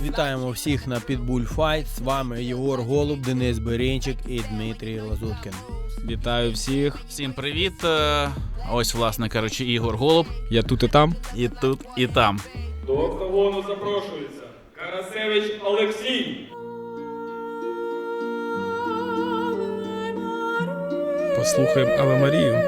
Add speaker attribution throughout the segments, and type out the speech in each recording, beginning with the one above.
Speaker 1: Вітаємо всіх на Pitbull Fight. З вами Єгор Голуб, Денис Берінчик і Дмитрій Лазуткін.
Speaker 2: Вітаю всіх.
Speaker 3: Всім привіт. Ось, власне кажучи, Ігор Голуб.
Speaker 2: Я тут і там.
Speaker 3: І тут, і там.
Speaker 4: До октагону запрошується Карасевич Олексій.
Speaker 2: Послухаємо Аве Марію.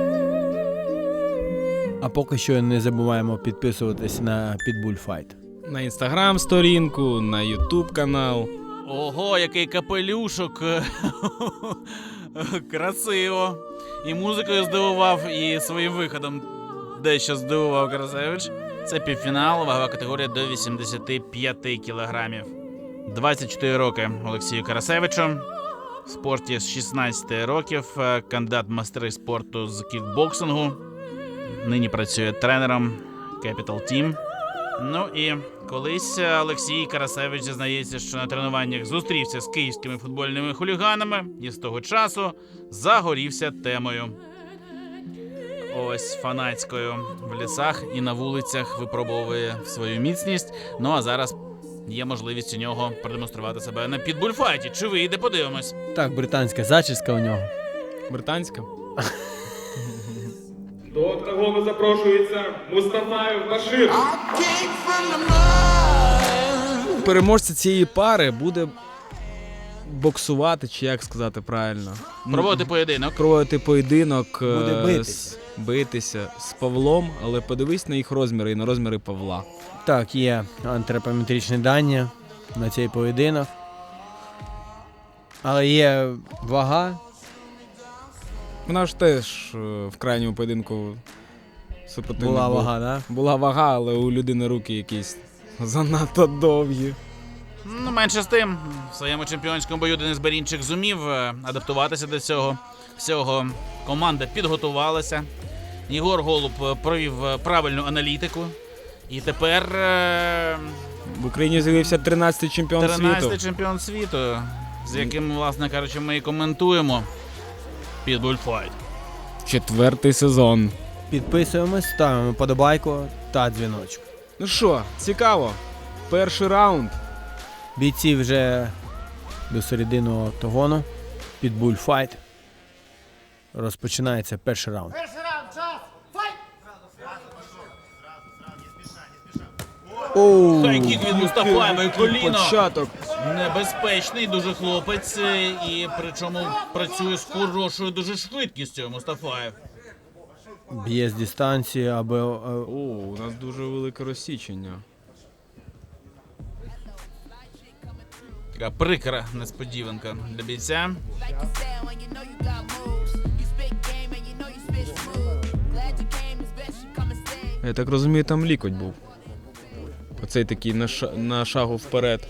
Speaker 1: А поки що не забуваємо підписуватись на Pitbull Fight.
Speaker 2: На інстаграм-сторінку, на ютуб канал.
Speaker 3: Ого, який капелюшок. Красиво. І музикою здивував, і своїм виходом дещо здивував Карасевич. Це півфінал, вагова категорія до 85 кілограмів. 24 роки Олексію Карасевичу. В спорті з 16 років, кандидат в майстри спорту з кікбоксингу. Нині працює тренером Capital Team. Ну і колись Олексій Карасевич зізнається, що на тренуваннях зустрівся з київськими футбольними хуліганами і з того часу загорівся темою. Ось фанатською в лісах і на вулицях випробовує свою міцність. Ну а зараз є можливість у нього продемонструвати себе на підбульфайті. Чи вийде, подивимось.
Speaker 1: Так, британська зачіска у нього.
Speaker 2: Британська.
Speaker 4: До октагону запрошується Мустафаєв Башир.
Speaker 2: Переможця цієї пари буде боксувати, чи як сказати правильно.
Speaker 3: Проводити поєдинок.
Speaker 2: Проводити поєдинок.
Speaker 1: Буде битися.
Speaker 2: Битися з Павлом, але подивись на їх розміри і на розміри Павла.
Speaker 1: Так, є антропометричні дані на цей поєдинок. Але є вага.
Speaker 2: Вона ж теж в крайньому поєдинку супротивник
Speaker 1: Була
Speaker 2: був.
Speaker 1: вага, да?
Speaker 2: Була вага, але у людини руки якісь занадто довгі.
Speaker 3: Ну, менше з тим, в своєму чемпіонському бою Денис Берінчик зумів адаптуватися до цього всього. Команда підготувалася. Єгор Голуб провів правильну аналітику. І тепер
Speaker 2: В Україні з'явився 13-й чемпіон
Speaker 3: 13-й
Speaker 2: світу.
Speaker 3: чемпіон світу, з яким, власне кажучи, ми і коментуємо Pitbull Fight.
Speaker 2: 4-й сезон.
Speaker 1: Підписуємось, ставимо подобайку та дзвіночок.
Speaker 2: Ну що, цікаво. Перший раунд.
Speaker 1: Бійці вже до середини октагону. Pitbull Fight. Розпочинається перший раунд. Оу,
Speaker 3: Хайкік від Мустафаєва і коліно.
Speaker 2: Початок.
Speaker 3: Небезпечний дуже хлопець, і причому працює з хорошою дуже швидкістю Мустафаєв.
Speaker 1: б'є з дистанції, аби...
Speaker 2: О, у нас дуже велике розсічення.
Speaker 3: Така прикра несподіванка для бійця.
Speaker 2: Я так розумію, там лікоть був. Оцей такий на шагу вперед.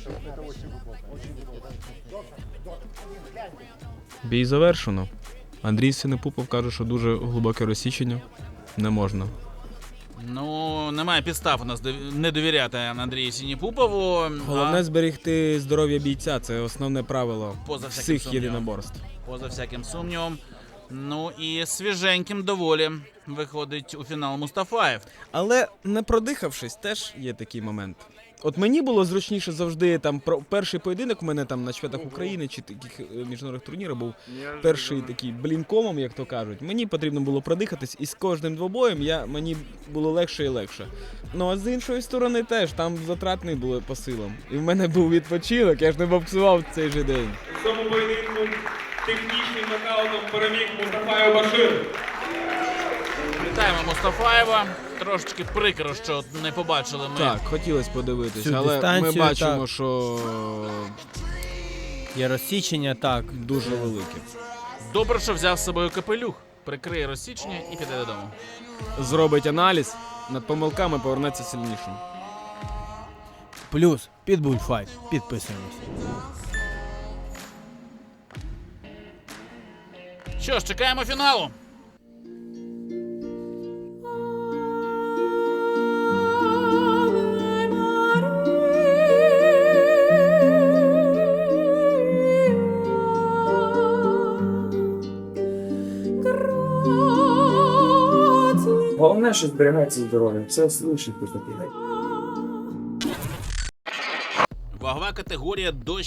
Speaker 2: Бій завершено. Андрій Синепупов каже, що дуже глибоке розсічення. Не можна.
Speaker 3: Ну, немає підстав у нас не довіряти Андрію Сініпупову.
Speaker 2: Головне зберегти здоров'я бійця. Це основне правило
Speaker 3: Поза всяким
Speaker 2: всіх
Speaker 3: сумнівом.
Speaker 2: єдиноборств.
Speaker 3: Поза всяким сумнівом. Ну і свіженьким доволі виходить у фінал Мустафаєв.
Speaker 2: Але не продихавшись, теж є такий момент. От мені було зручніше завжди, там, перший поєдинок у мене там на чемпіонатах України чи таких міжнародних турнірах був перший такий блінкомом, як то кажуть. Мені потрібно було продихатись, і з кожним двобоєм мені було легше і легше. Ну а з іншої сторони теж, там затратний було по силам. І в мене був відпочинок, я ж не боксував цей же день.
Speaker 4: У цьому поєдинку технічним нокаутом переміг Мустафаєв Башир.
Speaker 3: Вітаємо Мустафаєва. Трошечки прикро, що не побачили ми.
Speaker 2: Так, хотілося подивитись,
Speaker 1: Всю
Speaker 2: але ми
Speaker 1: дистанцію,
Speaker 2: бачимо,
Speaker 1: так.
Speaker 2: що
Speaker 1: Є розсічення, так.
Speaker 2: дуже велике.
Speaker 3: Добре, що взяв з собою капелюх. Прикриє розсічення і піде додому.
Speaker 2: Зробить аналіз, над помилками повернеться сильнішим.
Speaker 1: Плюс Pitbull Fight. Підписуємось.
Speaker 3: Що ж, чекаємо фіналу.
Speaker 5: Головне, що зберігається здоров'я. Все слушайте таке.
Speaker 3: Вагова категорія до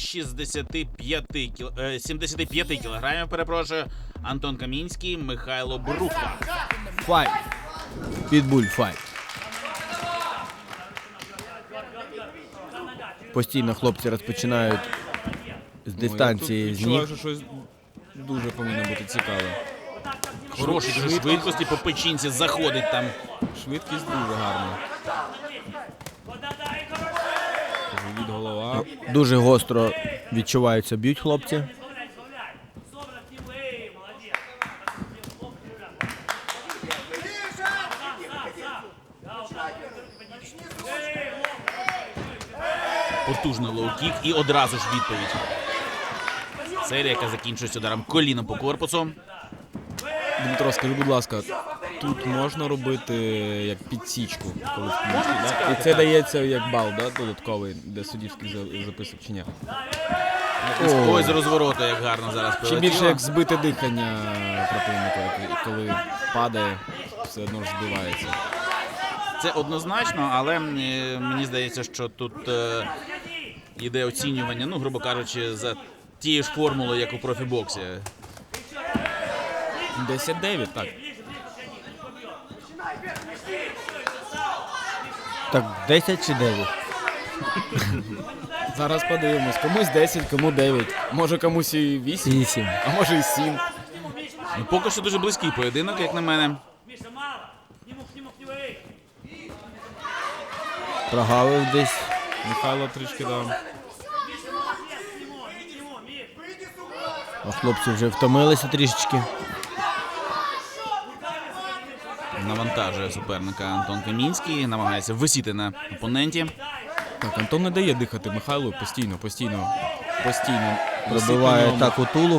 Speaker 3: 75 кілограмів, перепрошую. Антон Камінський, Михайло Бруха.
Speaker 1: Файт. Підбуль файт. Постійно хлопці розпочинають з дистанції з
Speaker 2: Відчуваю,
Speaker 1: ніг.
Speaker 2: що щось дуже повинно бути цікаве.
Speaker 3: Хороші дуже швидкості, по печінці заходить там.
Speaker 2: Швидкість дуже гарна. Живіт, голова.
Speaker 1: Дуже гостро відчуваються, б'ють хлопці.
Speaker 3: Потужний лоу-кік і одразу ж відповідь. Серія, яка закінчується ударом коліном по корпусу.
Speaker 2: Дмитро, скажи, будь ласка, тут можна робити як підсічку, коли в кінці, да? І це дається як бал, да, додатковий, де суддівський записок чи ні?
Speaker 3: Ой, з розвороту, як гарно зараз
Speaker 2: Чи
Speaker 3: прилетіло.
Speaker 2: більше як збите дихання противника, коли падає, все одно ж збивається.
Speaker 3: Це однозначно, але мені здається, що тут йде оцінювання, ну, грубо кажучи, за тією ж формулою, як у профібоксі.
Speaker 2: 10-9, так.
Speaker 1: Так, 10 чи 9?
Speaker 2: Зараз подивимось. Комусь 10, кому 9. Може комусь і 8,
Speaker 1: 8.
Speaker 2: а може і 7.
Speaker 3: Ну, поки що дуже близький поєдинок, як на мене.
Speaker 1: Прогавив десь.
Speaker 2: Михайло трішки дав.
Speaker 1: А хлопці вже втомилися трішечки.
Speaker 3: Навантажує суперника Антон Камінський, намагається висіти на опоненті.
Speaker 2: Так, Антон не дає дихати Михайлу постійно.
Speaker 1: Пробиває так у тулуб.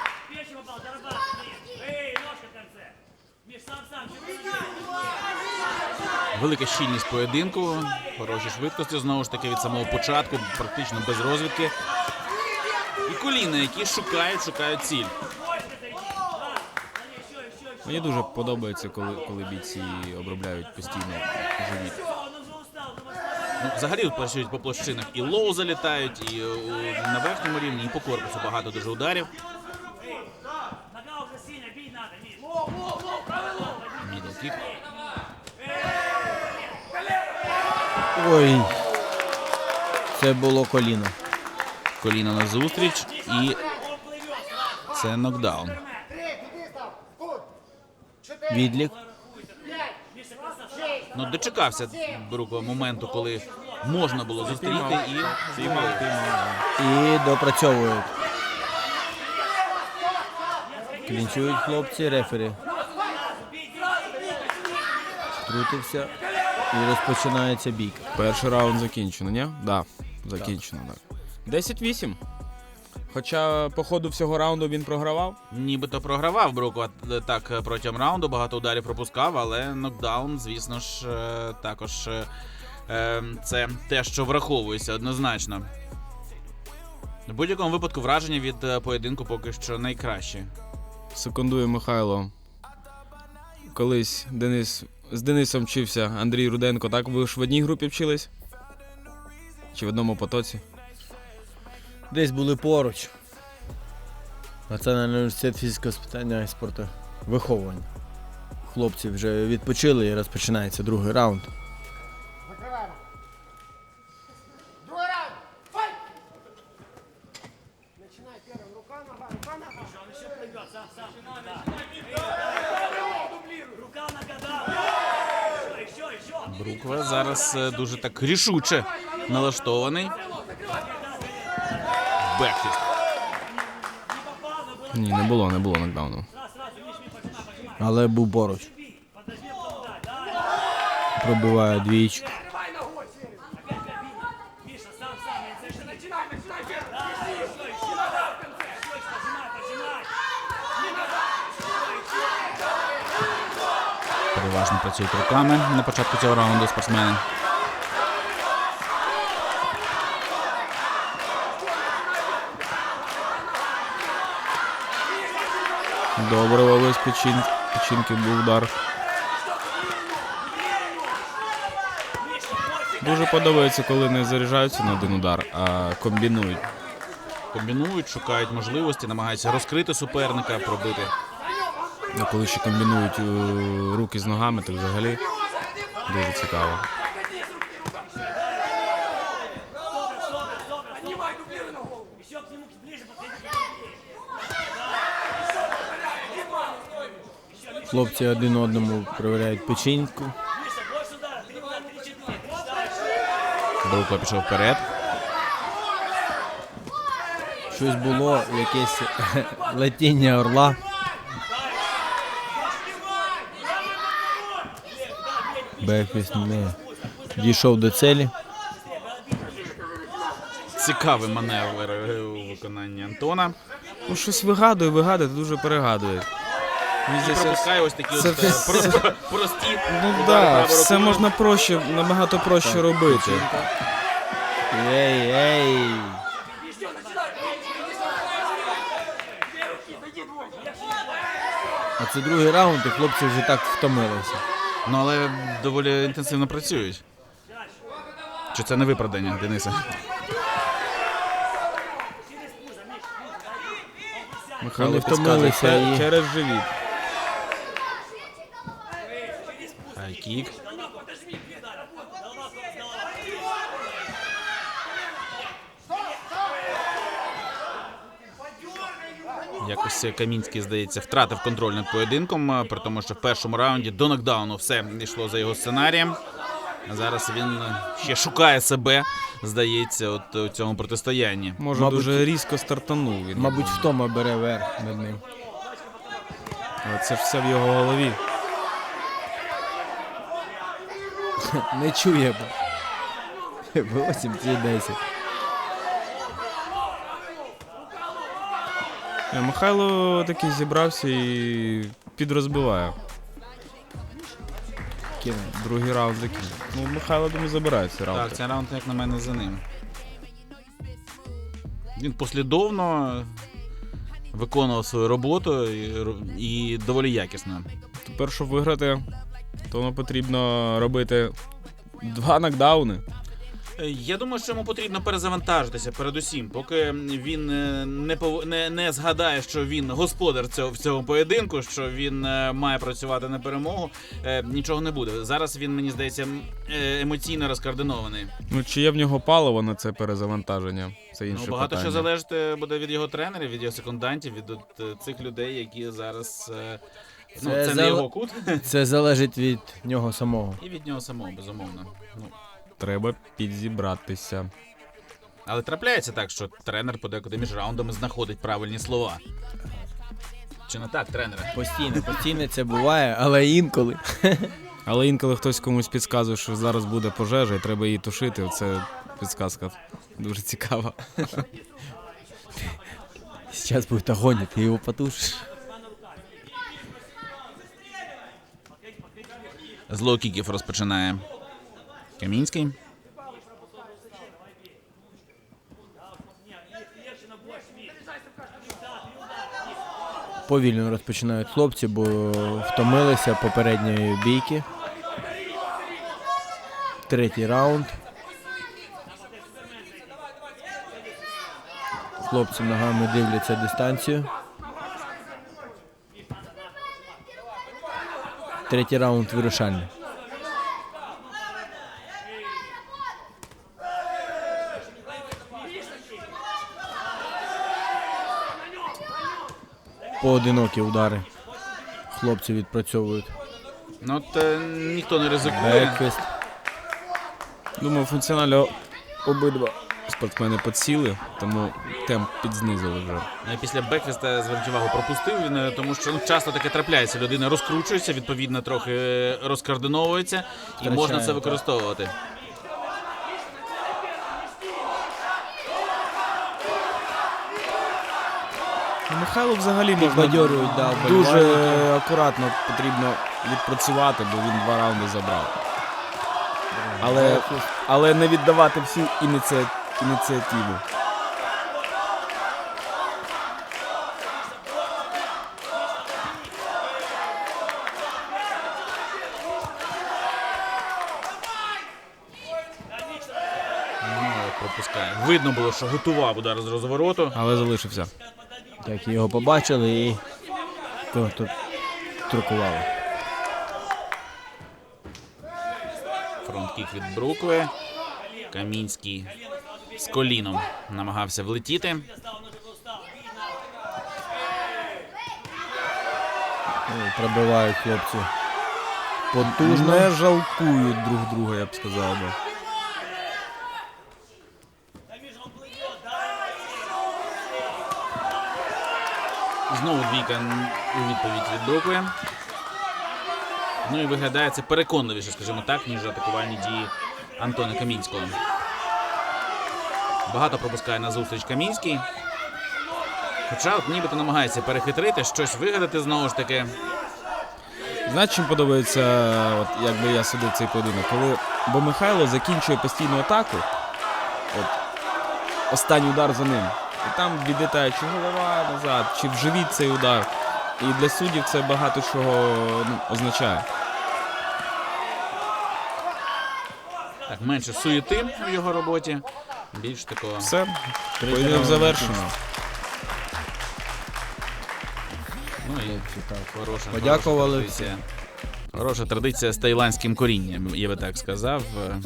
Speaker 3: Велика щільність поєдинку, хороші швидкості, знову ж таки, від самого початку, практично без розвідки. І коліна, які шукають ціль.
Speaker 2: Мені дуже подобається, коли бійці обробляють постійно живіт.
Speaker 3: Ну, взагалі працюють по площинах. І лоу залітають, і на верхньому рівні, і по корпусу багато дуже ударів. Мідл-кік.
Speaker 1: Ой. Це було коліно.
Speaker 3: Коліно на зустріч, і це нокдаун.
Speaker 1: Відлік.
Speaker 3: Ну, дочекався Брукова моменту, коли можна було зустріти і
Speaker 1: І допрацьовують. Клінчують хлопці, рефері. Втрутився і розпочинається бійка.
Speaker 2: Перший раунд закінчено, ні? Да, закінчено, так. 10-8. Хоча по ходу всього раунду він програвав.
Speaker 3: нібито програвав Брукова так протягом раунду, багато ударів пропускав, але нокдаун, звісно ж, також це те, що враховується однозначно. В будь-якому випадку враження від поєдинку поки що найкраще.
Speaker 2: Секундує Михайло. Колись з Денисом вчився Андрій Руденко, так? Ви ж в одній групі вчились? Чи в одному потоці?
Speaker 1: Десь були поруч. Національний університет фізичного спитання і спорту виховування. Хлопці вже відпочили і розпочинається другий раунд.
Speaker 6: Другой раунд! Файт! Начинай первым. Рука, нога, рука, нога. Он еще прыгает, сам. Рука, нога, да. Еще.
Speaker 3: Брукова зараз дуже так рішуче налаштований. Бекфіст.
Speaker 2: Ні, не було нокдауну.
Speaker 1: Але був поруч. Пробиває двічку.
Speaker 6: Открывай ногой, Серега. Миша, сам. Начинай первым. Еще.
Speaker 3: Переважно працюють руками на початку цього раунду спортсмени.
Speaker 2: Добре, вовись печінки був удар. Дуже подобається, коли не заряджаються на один удар, а комбінують.
Speaker 3: Комбінують, шукають можливості, намагаються розкрити суперника, пробити.
Speaker 2: А коли ще комбінують руки з ногами, то взагалі дуже цікаво.
Speaker 6: Поднимай дублированную голову. Еще к нему ближе подходи.
Speaker 1: Хлопці один одному перевіряють печінку.
Speaker 6: Больше удара. 3 удара, 3-4.
Speaker 3: Брукло пішов вперед.
Speaker 1: Щось було, якесь летіння орла. Бекфіст не дійшов до цілі.
Speaker 3: Цікавий маневр у виконанні Антона.
Speaker 2: Ну, щось вигадує, дуже перегадує. Мені
Speaker 3: І
Speaker 2: здається,
Speaker 3: пропускає ось такі
Speaker 2: це
Speaker 3: от
Speaker 2: все-
Speaker 3: прості.
Speaker 2: Ну
Speaker 3: удари
Speaker 2: так,
Speaker 3: правою
Speaker 2: все
Speaker 3: рукою.
Speaker 2: можна проще, набагато проще робити.
Speaker 1: Ей, ей. А це другий раунд, і хлопці вже так втомилися.
Speaker 3: Ну, але доволі інтенсивно працюють. Чи це не виправдання, Дениса?
Speaker 2: Михайло
Speaker 1: Вони
Speaker 2: підказує,
Speaker 1: втомилися і-
Speaker 2: через живіт.
Speaker 3: Хайкік. Якось Камінський, здається, втратив контроль над поєдинком, при тому, що в першому раунді до нокдауну все йшло за його сценарієм. А зараз він ще шукає себе, здається, от у цьому протистоянні.
Speaker 2: Може,
Speaker 1: Мабуть,
Speaker 2: дуже різко стартанув він.
Speaker 1: Мабуть, втома бере верх над ним.
Speaker 2: Але це ж все в його голові.
Speaker 1: Не чує. 8 чи 10.
Speaker 2: Михайло такий зібрався і підрозбиває.
Speaker 1: Кине.
Speaker 2: Другий раунд закінчив. Ну, Михайло, думаю, забирає цей раунд.
Speaker 3: Так, цей раунд, як на мене, за ним. Він послідовно виконував свою роботу і доволі якісно.
Speaker 2: Тепер, щоб виграти, то воно потрібно робити 2 нокдауни.
Speaker 3: Я думаю, що йому потрібно перезавантажитися передусім, поки він не згадає, що він господар в цьому поєдинку, що він має працювати на перемогу, нічого не буде. Зараз він, мені здається, емоційно розкоординований.
Speaker 2: Ну, чи є в нього паливо на це перезавантаження? Це інше
Speaker 3: Багато
Speaker 2: питання.
Speaker 3: що залежить буде від його тренерів, від його секундантів, від цих людей, які зараз... це не його кут.
Speaker 1: Це залежить від нього самого.
Speaker 3: І від нього самого, безумовно. Ну,
Speaker 2: Треба підзібратися.
Speaker 3: але трапляється так, що тренер подекуди між раундами знаходить правильні слова. Чи не так, тренере?
Speaker 1: Постійно це буває, але інколи.
Speaker 2: Але інколи хтось комусь підказує, що зараз буде пожежа і треба її тушити. Оце підказка дуже цікава.
Speaker 1: Сейчас будет огонь, ты его потушишь.
Speaker 3: З лоу-кіків розпочинає Камінський.
Speaker 1: Повільно розпочинають хлопці, бо втомилися попередньої бійки. Третій раунд. Хлопці ногами дивляться дистанцію. Третій раунд вирішальний. Поодинокі удари. Хлопці відпрацьовують.
Speaker 3: Ну, от ніхто не ризикує.
Speaker 1: Бекфіст.
Speaker 2: Думаю, функціонально обидва спортсмени підсіли, тому темп підзнизили вже.
Speaker 3: Після бекфіста, зверніть увагу, пропустив він, тому що часто таке трапляється. Людина розкручується, відповідно, трохи розкоординовується, і можна це використовувати.
Speaker 2: Михайло взагалі можна
Speaker 1: Підбадьорюють, да,
Speaker 2: дуже
Speaker 1: вболівальники.
Speaker 2: акуратно потрібно відпрацювати, бо він 2 раунди забрав. Але не віддавати всю ініціативу.
Speaker 3: пропускає. Видно було, що готував удар з розвороту.
Speaker 2: Але залишився.
Speaker 1: Так його побачили і тут трукували.
Speaker 3: Фронт-кік від Брукви. Камінський з коліном намагався влетіти.
Speaker 1: Пробивають хлопці. Потужно.
Speaker 2: Не жалкують друг друга, я б сказав би.
Speaker 3: Знову двійка у відповідь від Брукви. Ну і виглядає це переконливіше, скажімо так, ніж атакувальні дії Антона Камінського. Багато пропускає на зустріч Камінський. Хоча от нібито намагається перехитрити, щось вигадати знову ж таки.
Speaker 2: Знаєте, чим подобається, от, якби я судив цей поєдинок? Бо Михайло закінчує постійну атаку, от, останній удар за ним. І там відлітає чи голова назад, чи в живіт цей удар. І для суддів це багато чого означає.
Speaker 3: Так, менше суєти в його роботі. Більш такого.
Speaker 2: Все, поєдинок завершено.
Speaker 3: Ну і хороша,
Speaker 1: Подякували
Speaker 3: хороша традиція. Хороша традиція з таїландським корінням, я би так сказав.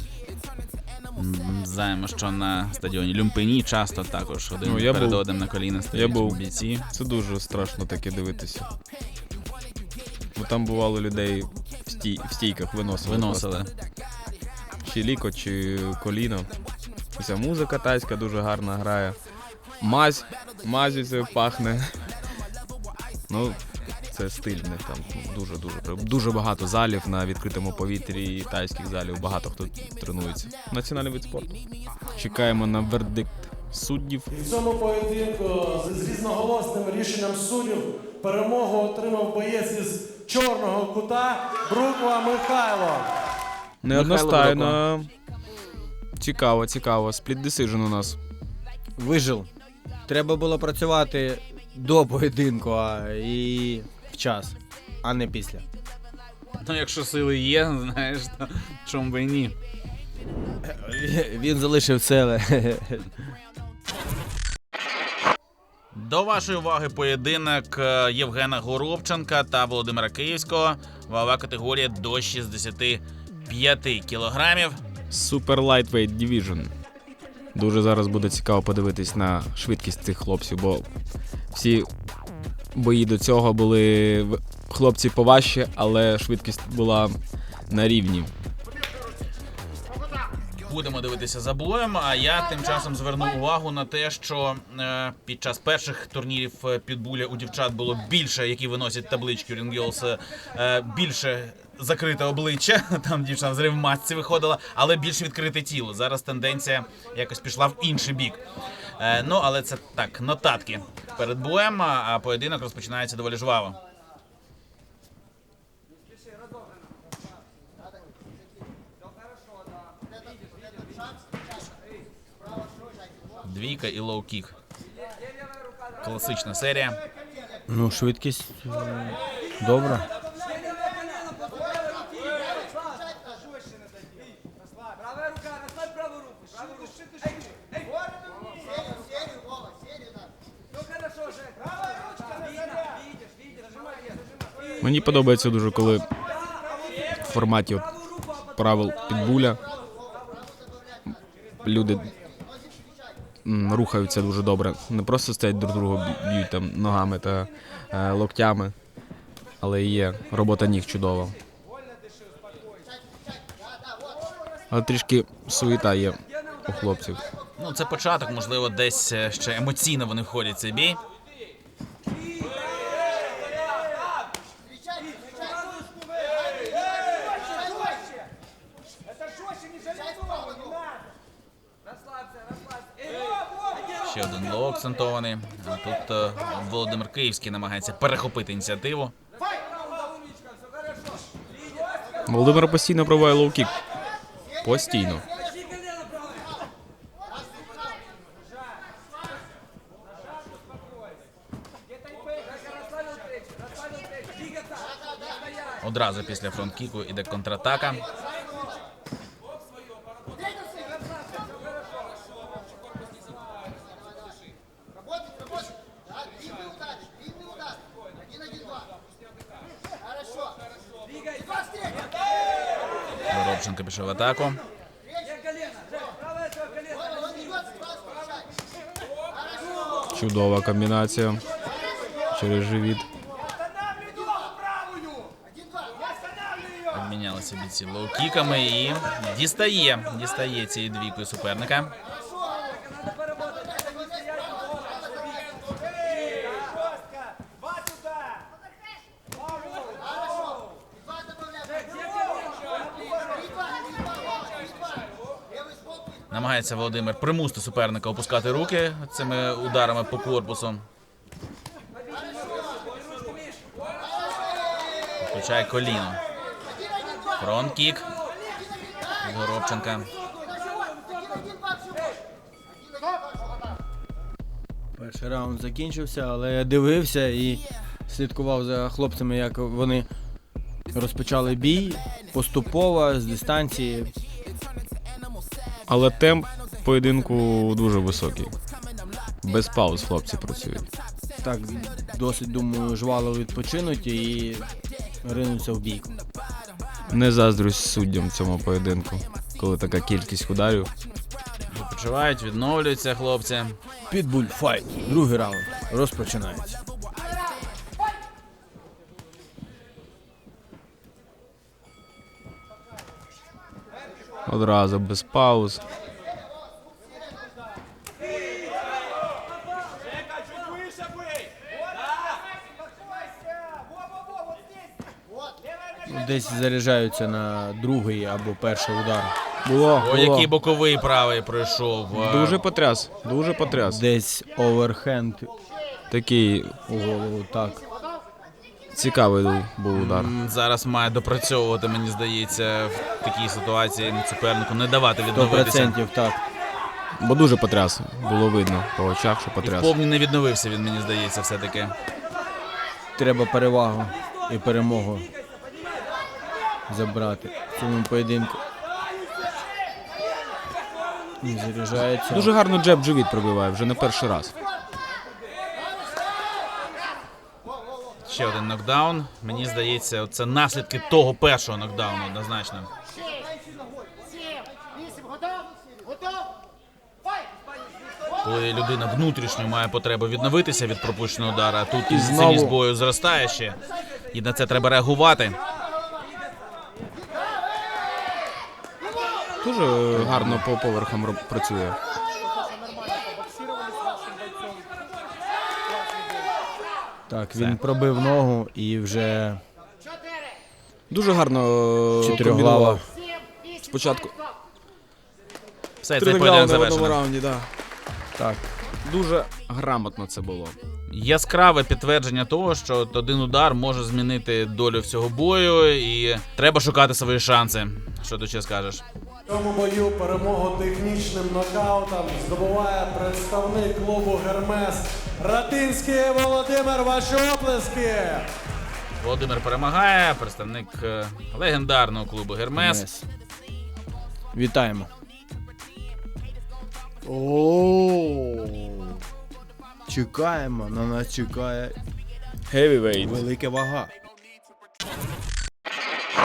Speaker 3: Знаємо, що на стадіоні Люмпині часто також один
Speaker 2: я
Speaker 3: перед
Speaker 2: був.
Speaker 3: одним на коліна
Speaker 2: Я
Speaker 3: стоять
Speaker 2: був.
Speaker 3: бійці.
Speaker 2: Це дуже страшно таке дивитися. Бо там бувало людей в стійках виносили.
Speaker 3: Виносили.
Speaker 2: Чи ліко, чи коліно. Ця музика тайська дуже гарна грає. Мазю це пахне. Ну, це стиль в них там дуже багато залів на відкритому повітрі і тайських залів. Багато хто тренується. Національний вид спорту. Чекаємо на вердикт суддів.
Speaker 7: В цьому поєдинку з різноголосним рішенням суддів перемогу отримав боєць із чорного кута Бруква Михайло.
Speaker 2: Неодностайно. Цікаво. Спліт десиджн у нас.
Speaker 1: Вижив. Треба було працювати до поєдинку і в час, а не після.
Speaker 3: Ну, якщо сили є, знаєш, то чому би і ні.
Speaker 1: Він залишив сили.
Speaker 3: До вашої уваги поєдинок Євгена Горобченка та Володимира Київського. Вагова категорія до 65 кілограмів.
Speaker 2: Super Lightweight Division. Дуже зараз буде цікаво подивитись на швидкість цих хлопців, бо всі бої до цього були хлопці поважче, але швидкість була на рівні.
Speaker 3: Будемо дивитися за боєм, а я тим часом зверну увагу на те, що під час перших турнірів Підбуля у дівчат було більше, які виносять таблички Ring Girls, більше закрите обличчя, там дівчина в масці виходила, але більш відкрите тіло. Зараз тенденція якось пішла в інший бік. Ну, але це так, нотатки перед боєм, а поєдинок розпочинається доволі жваво. Двійка і лоу-кік. Класична серія.
Speaker 1: Ну, швидкість добра.
Speaker 6: Правая рука, расслабь правую руку. Правую руку. Ну хорошо, Жек. Правая ручка, видишь, нажимай.
Speaker 2: Мені подобається дуже, коли в форматі правил Підбуля люди рухаються дуже добре. Не просто стоять друг друга, б'ють там ногами та локтями, але і є робота ніг чудова. Але трішки суєта є у хлопців.
Speaker 3: Ну, це початок, можливо, десь ще емоційно вони входять в цей бій. Ще один лоу акцентований. А тут Володимир Київський намагається перехопити ініціативу.
Speaker 2: Володимир постійно пробиває лоу-кік. Постійно.
Speaker 3: Одразу після фронт-кіку іде контратака. Горобченко пішов в атаку.
Speaker 2: Чудова комбінація через живіт.
Speaker 3: Обмінялися бійці лоу-кіками і дістає цією двійкою суперника. Намагається Володимир примусити суперника опускати руки цими ударами по корпусу. Включає коліно. Фронт-кік від Горобченка.
Speaker 1: Перший раунд закінчився, але я дивився і слідкував за хлопцями, як вони розпочали бій поступово, з дистанції.
Speaker 2: Але темп поєдинку дуже високий. Без пауз хлопці працюють.
Speaker 1: Так, досить, думаю, жвало відпочинуть і ринуться в бійку.
Speaker 2: Не заздрюсь суддям в цьому поєдинку, коли така кількість ударів.
Speaker 3: Відпочивають, відновлюються хлопці.
Speaker 1: Підбуль файт. Другий раунд розпочинається.
Speaker 2: Одразу без пауз.
Speaker 1: Десь заряджаються на другий або перший удар.
Speaker 2: Було.
Speaker 3: О, який боковий правий пройшов.
Speaker 2: Дуже потряс, дуже потряс.
Speaker 1: Десь оверхенд
Speaker 2: Такий
Speaker 1: у голову, так.
Speaker 2: цікавий був удар.
Speaker 3: Зараз має допрацьовувати, мені здається, в такій ситуації супернику, не давати відновитися.
Speaker 1: 100% так.
Speaker 2: Бо дуже потряс. Було видно по очах, що
Speaker 3: І
Speaker 2: потряс.
Speaker 3: вповні не відновився він, мені здається, все-таки.
Speaker 1: Треба перевагу і перемогу забрати в цьому поєдинку. І заряджається.
Speaker 2: Дуже гарно джеб живіт пробиває, вже не перший раз.
Speaker 3: Ще один нокдаун. Мені здається, це наслідки того першого нокдауну, однозначно. Коли людина внутрішньо має потребу відновитися від пропущеного удара, а тут
Speaker 2: І
Speaker 3: інтенсивність
Speaker 2: знову.
Speaker 3: бою зростає ще. І на це треба реагувати.
Speaker 2: Дуже гарно по поверхам працює.
Speaker 1: Так, він пробив ногу і вже
Speaker 2: Дуже гарно
Speaker 1: чотирьохглава.
Speaker 2: комбінував. Спочатку
Speaker 3: Все, цей
Speaker 2: тригавляв
Speaker 3: поєдинок
Speaker 2: на одному
Speaker 3: завершено.
Speaker 2: раунді, да.
Speaker 1: Так.
Speaker 2: Дуже грамотно це було.
Speaker 3: Яскраве підтвердження того, що один удар може змінити долю всього бою, і треба шукати свої шанси. Що ти ще скажеш?
Speaker 7: В цьому бою перемогу технічним нокаутом здобуває представник клубу «Гермес» Ратинський Володимир. Ваші оплески!
Speaker 3: Володимир перемагає, представник легендарного клубу «Гермес».
Speaker 1: Мес. Вітаємо. О, чекаємо, на нас чекає
Speaker 2: Heavyweight.
Speaker 1: велика вага.